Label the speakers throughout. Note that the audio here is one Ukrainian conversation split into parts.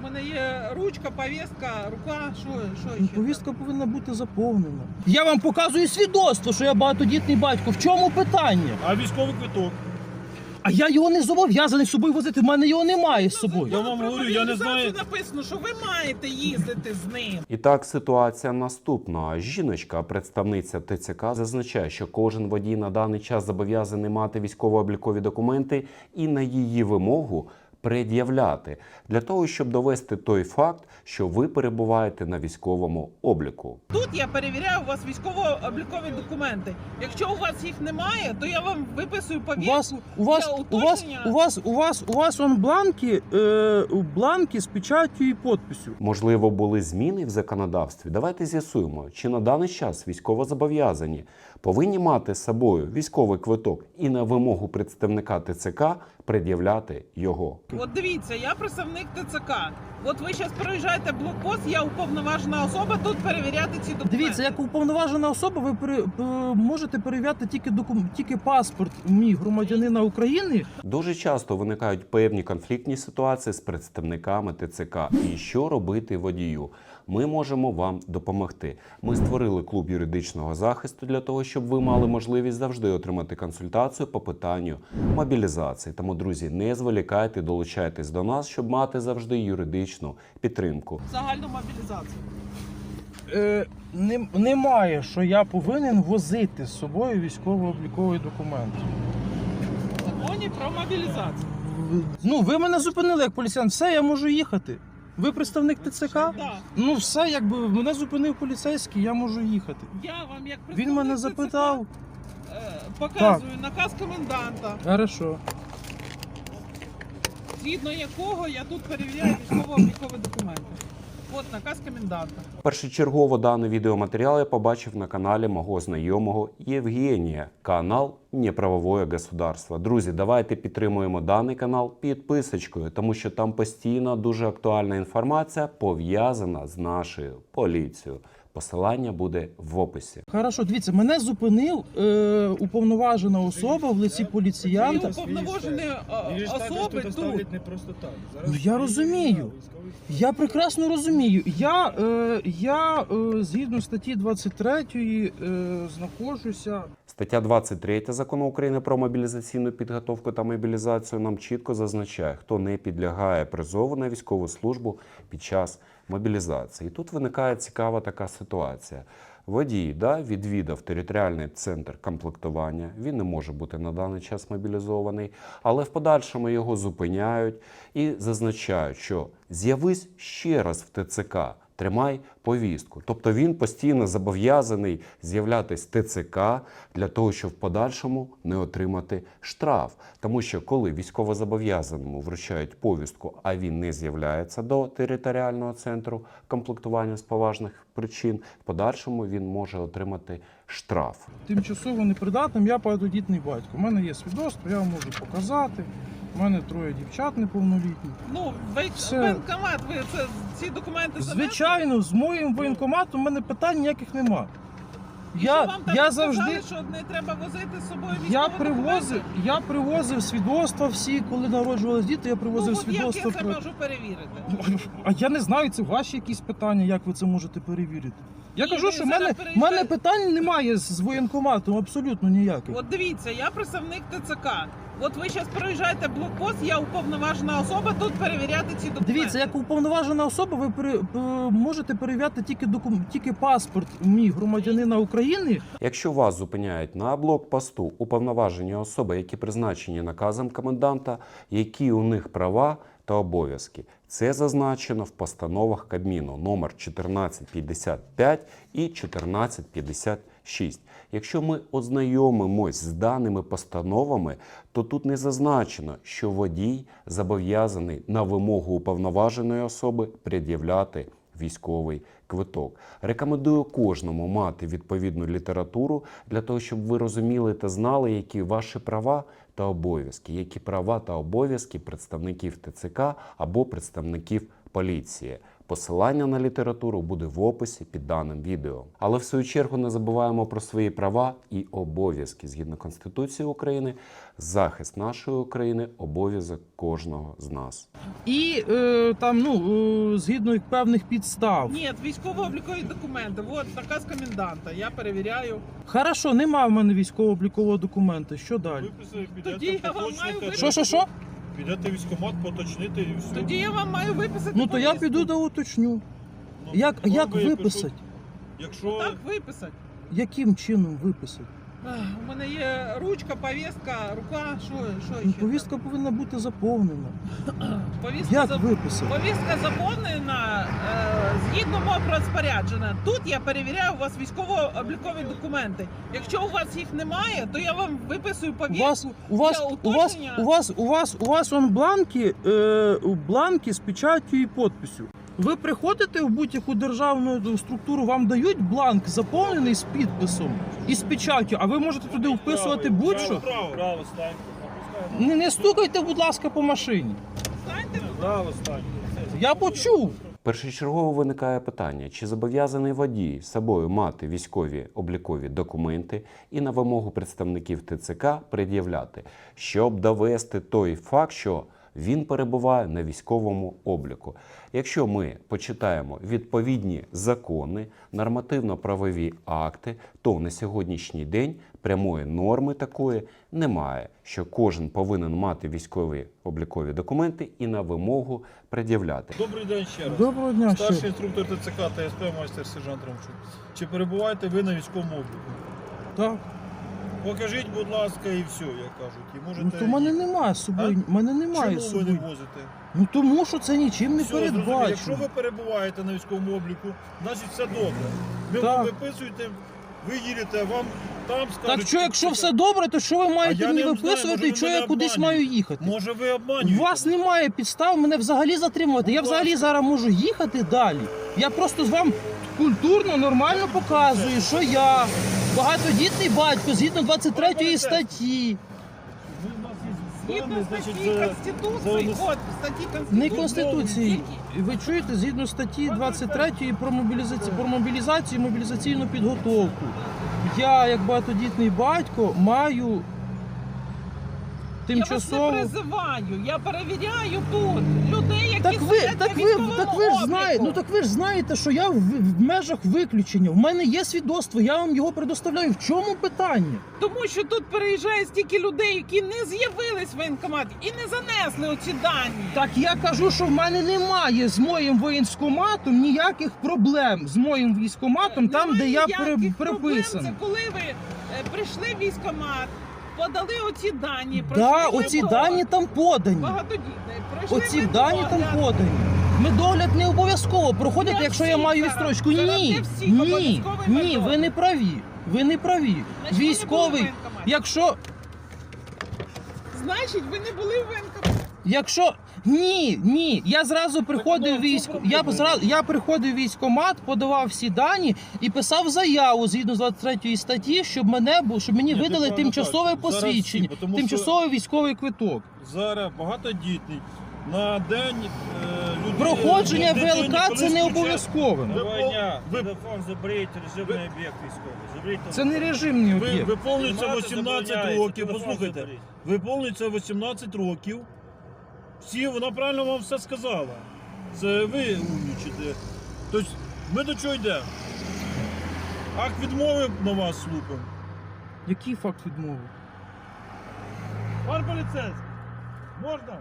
Speaker 1: мене є ручка, повістка, рука, що ще?
Speaker 2: Повістка повинна бути заповнена. Я вам показую свідоцтво, що я багатодітний батько. В чому питання?
Speaker 3: А військовий квиток?
Speaker 2: А я його не зобов'язаний з собою возити, в мене його немає з собою.
Speaker 3: Я вам говорю, я не знаю.
Speaker 1: Написано, що ви маєте їздити з ним.
Speaker 4: І так, ситуація наступна. Жіночка, представниця ТЦК, зазначає, що кожен водій на даний час зобов'язаний мати військово-облікові документи і на її вимогу пред'являти, для того, щоб довести той факт, що ви перебуваєте на військовому обліку.
Speaker 1: Тут я перевіряю у вас військово-облікові документи. Якщо у вас їх немає, то я вам виписую повістку.
Speaker 2: У вас он бланки з печаттю і підписю.
Speaker 4: Можливо, були зміни в законодавстві? Давайте з'ясуємо, чи на даний час військовозобов'язані повинні мати з собою військовий квиток і на вимогу представника ТЦК пред'являти його.
Speaker 1: От дивіться, я представник ТЦК. От ви зараз проїжджаєте блокпост, я уповноважена особа, тут перевіряти ці документи.
Speaker 2: Дивіться, як уповноважена особа, ви можете перевіряти тільки паспорт мій громадянина України.
Speaker 4: Дуже часто виникають певні конфліктні ситуації з представниками ТЦК. І що робити водію? Ми можемо вам допомогти. Ми створили клуб юридичного захисту для того, щоб ви мали можливість завжди отримати консультацію по питанню мобілізації. Тому, друзі, не зволікайте, долучайтесь до нас, щоб мати завжди юридичну підтримку.
Speaker 1: Загальну мобілізацію.
Speaker 2: Немає, що я повинен возити з собою військово-обліковий документ.
Speaker 1: В законі про мобілізацію.
Speaker 2: Ну, ви мене зупинили як поліціян, все, я можу їхати. Ви представник ТЦК?
Speaker 1: Да.
Speaker 2: Ну все, якби мене зупинив поліцейський, я можу їхати.
Speaker 1: Я вам як представник
Speaker 2: Він мене
Speaker 1: ТЦК,
Speaker 2: запитав.
Speaker 1: показую наказ коменданта,
Speaker 2: Хорошо.
Speaker 1: згідно якого я тут перевіряю військово-облікові документи. От наказ коменданта.
Speaker 4: Першочергово даний відеоматеріал я побачив на каналі мого знайомого Євгенія, канал «Неправовое государство». Друзі, давайте підтримуємо даний канал підписочкою, тому що там постійно дуже актуальна інформація, пов'язана з нашою поліцією. Посилання буде в описі.
Speaker 2: Хорошо, дивіться, мене зупинив уповноважена особа в лиці
Speaker 1: І
Speaker 2: поліціянта.
Speaker 1: уповноважені особи тут.
Speaker 3: не просто так.
Speaker 2: Ну, я розумію. Я прекрасно розумію. Я згідно статті 23 знаходжуся.
Speaker 4: Стаття 23 Закону України про мобілізаційну підготовку та мобілізацію нам чітко зазначає, хто не підлягає призову на військову службу під час мобілізації. І тут виникає цікава така ситуація. Водій відвідав територіальний центр комплектування, він не може бути на даний час мобілізований, але в подальшому його зупиняють і зазначають, що з'явись ще раз в ТЦК, тримай повістку. Тобто він постійно зобов'язаний з'являтись в ТЦК для того, щоб в подальшому не отримати штраф. Тому що коли військовозобов'язаному вручають повістку, а він не з'являється до територіального центру комплектування з поважних причин, в подальшому він може отримати штраф.
Speaker 2: Тимчасово непридатним, я багатодітний батько. У мене є свідоцтво, я вам можу показати. У мене 3 дівчат неповнолітніх.
Speaker 1: Ну,
Speaker 2: Все.
Speaker 1: воєнкомат, ви ці документи занесли?
Speaker 2: Звичайно, з моїм воєнкоматом у мене питань ніяких нема.
Speaker 1: І що вам там
Speaker 2: Я
Speaker 1: сказали,
Speaker 2: завжди
Speaker 1: що не треба возити з собою
Speaker 2: я
Speaker 1: військові
Speaker 2: привозив свідоцтва всі, коли народжувались діти, я привозив
Speaker 1: Ну, от як я
Speaker 2: свідоцтва
Speaker 1: це можу перевірити?
Speaker 2: А я не знаю, це ваші якісь питання, як ви це можете перевірити. Я
Speaker 1: Ні,
Speaker 2: кажу,
Speaker 1: ви
Speaker 2: що в
Speaker 1: зараз
Speaker 2: мене, в мене питань немає з воєнкоматом, абсолютно ніяких.
Speaker 1: От дивіться, я представник ТЦК. От ви зараз проїжджаєте блокпост, я уповноважена особа, тут перевіряти ці документи.
Speaker 2: Дивіться, як уповноважена особа, ви можете перевіряти тільки паспорт мій громадянина України.
Speaker 4: Якщо вас зупиняють на блокпосту уповноважені особи, які призначені наказом коменданта, які у них права та обов'язки. Це зазначено в постановах Кабміну номер 1455 і 1456. Якщо ми ознайомимось з даними постановами, то тут не зазначено, що водій зобов'язаний на вимогу уповноваженої особи пред'являти військовий квиток. Рекомендую кожному мати відповідну літературу для того, щоб ви розуміли та знали, які ваші права та обов'язки, які права та обов'язки представників ТЦК або представників поліції. Посилання на літературу буде в описі під даним відео. Але в свою чергу не забуваємо про свої права і обов'язки. Згідно Конституції України, захист нашої України – обов'язок кожного з нас.
Speaker 2: І згідно певних підстав.
Speaker 1: Ні, військово-облікові документи. От наказ коменданта. Я перевіряю.
Speaker 2: Хорошо, немає в мене військово-облікового документа. Що далі?
Speaker 1: Тоді я
Speaker 3: Підете,
Speaker 1: вам маю
Speaker 3: поточните.
Speaker 2: Що?
Speaker 3: Підете в військкомат, поточните і все.
Speaker 1: Тоді я вам маю виписати.
Speaker 2: Ну то я
Speaker 1: повістку.
Speaker 2: піду да уточню.
Speaker 3: Ну,
Speaker 2: Як
Speaker 3: вам би
Speaker 2: виписати?
Speaker 3: Якщо
Speaker 1: Так виписати.
Speaker 2: Яким чином виписати?
Speaker 1: У мене є ручка, повістка, рука. Що
Speaker 2: Ну,
Speaker 1: ще?
Speaker 2: повістка повинна бути заповнена.
Speaker 1: Повістка
Speaker 2: Як
Speaker 1: зап-
Speaker 2: виписати?
Speaker 1: Повістка заповнена згідно мого розпорядження. Тут я перевіряю у вас військово-облікові документи. Якщо у вас їх немає, то я вам виписую повістку.
Speaker 2: У вас он бланки з печаттю і підписю. Ви приходите в будь-яку державну структуру, вам дають бланк заповнений з підписом і з печаттю, а ви можете туди вписувати будь-що.
Speaker 3: Право станьте.
Speaker 2: Не стукайте, будь ласка, по машині.
Speaker 1: Знаєте,
Speaker 3: Право станьте.
Speaker 2: Я почув.
Speaker 4: Першочергово виникає питання, чи зобов'язаний водій з собою мати військові облікові документи і на вимогу представників ТЦК пред'являти, щоб довести той факт, що він перебуває на військовому обліку. Якщо ми почитаємо відповідні закони, нормативно-правові акти, то на сьогоднішній день прямої норми такої немає, що кожен повинен мати військові облікові документи і на вимогу пред'являти.
Speaker 3: Добрий день ще раз.
Speaker 2: Доброго дня.
Speaker 3: Старший інструктор ТЦК та СП майстер сержант Ромчук. Чи перебуваєте ви на військовому обліку?
Speaker 2: Так.
Speaker 3: Покажіть, будь ласка, і все, як кажуть. І можете...
Speaker 2: Ну то в мене немає з собою. Мене немає з
Speaker 3: Чому ви не
Speaker 2: собою.
Speaker 3: возите?
Speaker 2: Ну тому що це нічим не
Speaker 3: Все, зрозуміло.
Speaker 2: передбачено.
Speaker 3: Якщо ви перебуваєте на військовому обліку, значить все добре. Ви
Speaker 2: Так.
Speaker 3: вам виписуєте, ви їдете, вам там скажуть...
Speaker 2: Так що, якщо все добре, то що ви маєте
Speaker 3: я
Speaker 2: мені
Speaker 3: не знаю,
Speaker 2: виписувати
Speaker 3: може,
Speaker 2: і
Speaker 3: ви
Speaker 2: що
Speaker 3: мене
Speaker 2: я кудись
Speaker 3: обманюєте.
Speaker 2: маю їхати?
Speaker 3: Може ви
Speaker 2: У
Speaker 3: обманюєте?
Speaker 2: вас немає підстав мене взагалі затримувати. Я
Speaker 3: Будь
Speaker 2: взагалі
Speaker 3: ласка.
Speaker 2: зараз можу їхати далі. Я просто з вам культурно, нормально показую, що я багатодітний батько згідно 23 статті.
Speaker 3: Ви в нас є
Speaker 1: згідно
Speaker 3: дані,
Speaker 1: статті
Speaker 3: значить,
Speaker 1: Конституції,
Speaker 3: за-
Speaker 1: от статті Конституції.
Speaker 2: Не Конституції. Ви чуєте, згідно статті 23 про мобілізацію і мобілізаційну підготовку. Я, як багатодітний батько, маю тимчасово...
Speaker 1: Я вас не призиваю, я перевіряю тут людей, які
Speaker 2: Так ви
Speaker 1: сидять на військовому
Speaker 2: знаєте,
Speaker 1: обліку.
Speaker 2: ви ж знаєте, що я в межах виключення. В мене є свідоцтво, я вам його предоставляю. В чому питання?
Speaker 1: Тому що тут переїжджає стільки людей, які не з'явились в воєнкоматі і не занесли оці дані.
Speaker 2: Так я кажу, що в мене немає з моїм воєнкоматом ніяких проблем з моїм військкоматом, там,
Speaker 1: Немає
Speaker 2: де я
Speaker 1: ніяких проблем.
Speaker 2: приписаний.
Speaker 1: Це коли ви прийшли в військкомат, подали оці дані,
Speaker 2: Да,
Speaker 1: пройшли
Speaker 2: оці
Speaker 1: медогляд.
Speaker 2: дані там подані.
Speaker 1: Багатодітний. Пройшли
Speaker 2: Оці дані там
Speaker 1: медогляд.
Speaker 2: подані. Медогляд не обов'язково проходити,
Speaker 1: Для
Speaker 2: якщо я
Speaker 1: всіх
Speaker 2: маю
Speaker 1: зараз.
Speaker 2: відстрочку.
Speaker 1: Зараз
Speaker 2: Ні,
Speaker 1: для всіх
Speaker 2: ні,
Speaker 1: обов'язковий
Speaker 2: ні,
Speaker 1: медогляд.
Speaker 2: ви не праві. Ви не праві.
Speaker 1: Значить, ви не були в
Speaker 2: Військовий,
Speaker 1: воєнкоматі. Значить, ви не були в воєнкоматі.
Speaker 2: Ні, я зразу приходив я приходив в військкомат, подавав всі дані і писав заяву згідно з 23 статті, щоб мені
Speaker 3: Ні, ти
Speaker 2: видали
Speaker 3: правильно
Speaker 2: тимчасове
Speaker 3: кажеш. Зараз
Speaker 2: посвідчення,
Speaker 3: всі, тому
Speaker 2: тимчасовий військовий квиток.
Speaker 3: Зараз багатодітний. На день людей...
Speaker 2: Проходження
Speaker 3: дитині
Speaker 2: ВЛК це
Speaker 3: колись
Speaker 2: не
Speaker 3: включають-
Speaker 2: обов'язково.
Speaker 3: Ви- ви-
Speaker 5: Телефон заберіть, режимний об'єкт військовий. Заберіть
Speaker 2: Це не режимний
Speaker 3: Ви
Speaker 2: об'єкт.
Speaker 3: виповнюється
Speaker 5: Знімати
Speaker 3: 18
Speaker 5: забороняється,
Speaker 3: років,
Speaker 5: телефон
Speaker 3: послухайте,
Speaker 5: заберіть.
Speaker 3: виповнюється 18 років. Вона правильно вам все сказала. Це ви умнічите. Тобто ми до чого йдемо? Акт відмови на вас слухаємо.
Speaker 2: Який факт відмови?
Speaker 3: Пан поліцейський, можна?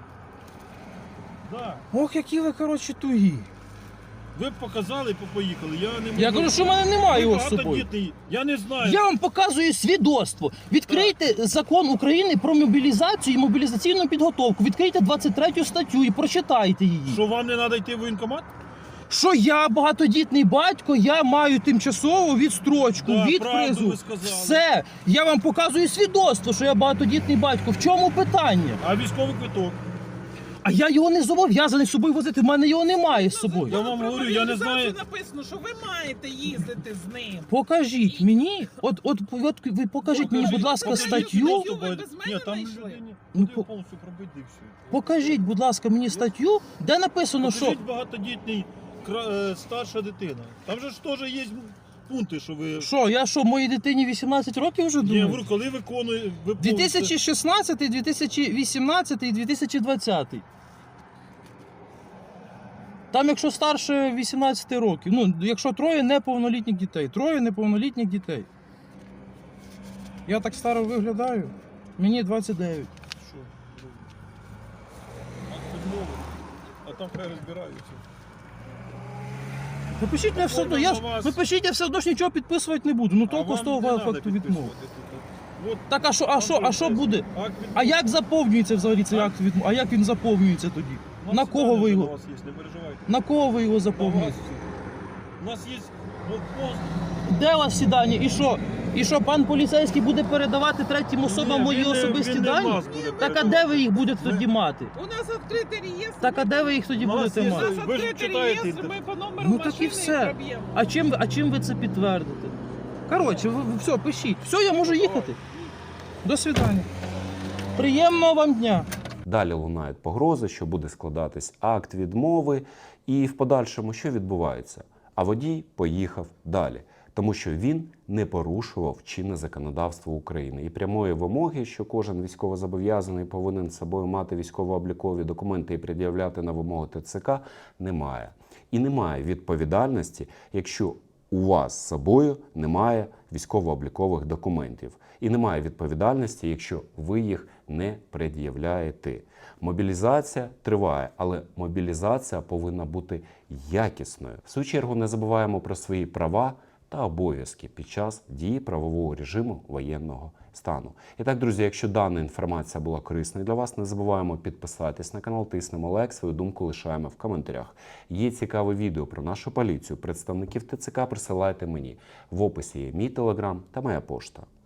Speaker 3: Да.
Speaker 2: Ох, які ви, коротше, тугі.
Speaker 3: Ви б показали і поїхали. Я не можу.
Speaker 2: Я кажу, що в мене немає його з собою.
Speaker 3: Багатодітний. Я не знаю.
Speaker 2: Я вам показую свідоцтво. Відкрийте закон України про мобілізацію і мобілізаційну підготовку. Відкрийте 23 статтю і прочитайте її.
Speaker 3: Що вам не треба йти в воєнкомат?
Speaker 2: Що я багатодітний батько, я маю тимчасову відстрочку
Speaker 3: Да,
Speaker 2: від
Speaker 3: правду
Speaker 2: призу.
Speaker 3: ви сказали.
Speaker 2: Все, я вам показую свідоцтво, що я багатодітний батько. В чому питання?
Speaker 3: А військовий квиток?
Speaker 2: А я його не зобов'язаний з собою возити, в мене його немає з собою.
Speaker 3: Я вам говорю, я не знаю.
Speaker 1: Написано, що ви маєте їздити з ним.
Speaker 2: Покажіть мені, от ви покажіть мені, будь ласка,
Speaker 3: Покажіть,
Speaker 2: статтю.
Speaker 3: що
Speaker 1: Ви без мене
Speaker 3: Ні, там
Speaker 1: знайшли?
Speaker 3: людині
Speaker 2: Ну,
Speaker 3: ну, повністю пробити і все.
Speaker 2: Покажіть, будь ласка, мені статтю, де написано, що
Speaker 3: Покажіть багатодітний старша дитина. Там же ж теж є пункти, що ви...
Speaker 2: я моїй дитині 18 років вже
Speaker 3: Ні, я
Speaker 2: думаю?
Speaker 3: говорю, коли виконує...
Speaker 2: 2016, 2018 і 2020. Там, якщо старше 18 років, ну, якщо троє неповнолітніх дітей. Троє неповнолітніх дітей. Я так старо виглядаю. Мені 29.
Speaker 3: Що? Відмови. А там хай розбираються.
Speaker 2: Напишіть мене все одно, напишіть, я все одно ж нічого підписувати не буду. Ну толку з того факту відмови.
Speaker 3: От,
Speaker 2: Так, а що буде?
Speaker 3: акт відмови.
Speaker 2: А як заповнюється взагалі цей акт відмови? А як він заповнюється тоді?
Speaker 3: У нас
Speaker 2: На кого ви
Speaker 3: питання
Speaker 2: його?
Speaker 3: до вас є, не переживайте.
Speaker 2: На кого ви його
Speaker 3: На
Speaker 2: заповнюєте?
Speaker 3: вас. У нас є пост.
Speaker 2: Де у вас всі дані? І що? І що, пан поліцейський буде передавати третім особам мої особисті дані? Так а де ви їх будете тоді мати?
Speaker 1: У нас відкритий реєстр.
Speaker 2: Так а де ви їх тоді
Speaker 3: У нас
Speaker 2: будете
Speaker 3: є-
Speaker 1: У
Speaker 2: мати?
Speaker 1: нас
Speaker 3: Ви ж
Speaker 1: відкритий
Speaker 3: читаєте
Speaker 1: реєстр, ми
Speaker 3: інтернет.
Speaker 1: по номеру
Speaker 2: Ну, так і
Speaker 1: машини
Speaker 2: все.
Speaker 1: проб'ємо.
Speaker 2: А чим ви це підтвердите? Коротше, ви все, пишіть. Все, я можу їхати. До свидання. Приємного вам дня.
Speaker 4: Далі лунають погрози, що буде складатись акт відмови, і в подальшому що відбувається? А водій поїхав далі, тому що він не порушував чинне законодавство України. І прямої вимоги, що кожен військовозобов'язаний повинен з собою мати військово-облікові документи і пред'являти на вимогу ТЦК, немає. І немає відповідальності, якщо у вас з собою немає військово-облікових документів. І немає відповідальності, якщо ви їх не пред'являєте. Мобілізація триває, але мобілізація повинна бути якісною. В свою чергу не забуваємо про свої права та обов'язки під час дії правового режиму воєнного стану. І так, друзі, якщо дана інформація була корисною для вас, не забуваємо підписатись на канал, тиснемо лайк, свою думку лишаємо в коментарях. Є цікаве відео про нашу поліцію, представників ТЦК присилайте мені. В описі є мій телеграм та моя пошта.